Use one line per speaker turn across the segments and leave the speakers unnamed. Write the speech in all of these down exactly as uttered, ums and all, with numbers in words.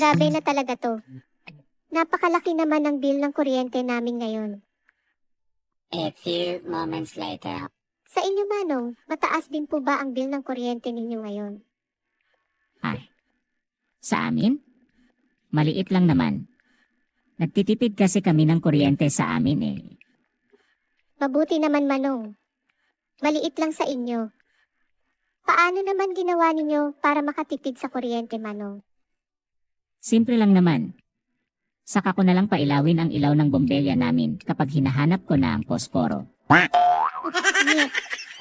Grabe na talaga to. Napakalaki naman ang bill ng kuryente namin ngayon.
A few moments later.
Sa inyo, Manong, mataas din po ba ang bill ng kuryente ninyo ngayon?
Ay, sa amin? Maliit lang naman. Nagtitipid kasi kami ng kuryente sa amin eh.
Mabuti naman, Manong. Maliit lang sa inyo. Paano naman ginawa ninyo para makatipid sa kuryente, Manong?
Simple lang naman. Saka ko na lang pailawin ang ilaw ng bombilya namin kapag hinahanap ko na ang posporo.
Nyet.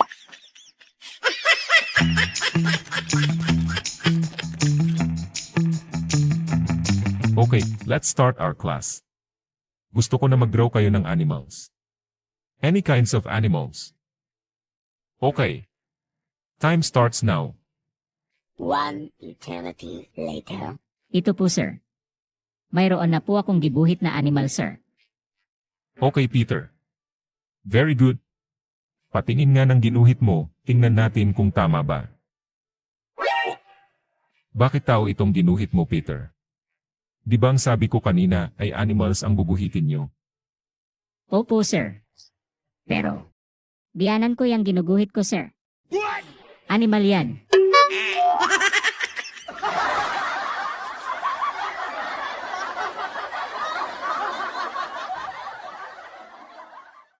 Okay, let's start our class. Gusto ko na mag-draw kayo ng animals. Any kinds of animals. Okay. Time starts now.
One eternity later.
Ito po sir. Mayroon na po akong gibuhit na animal sir.
Okay, Peter. Very good. Patingin nga ng ginuhit mo, tingnan natin kung tama ba. Bakit tao itong ginuhit mo, Peter? Di ba ang sabi ko kanina ay animals ang bubuhitin nyo?
Opo sir. Pero, biyanan ko yung ginuguhit ko sir. Animal yan.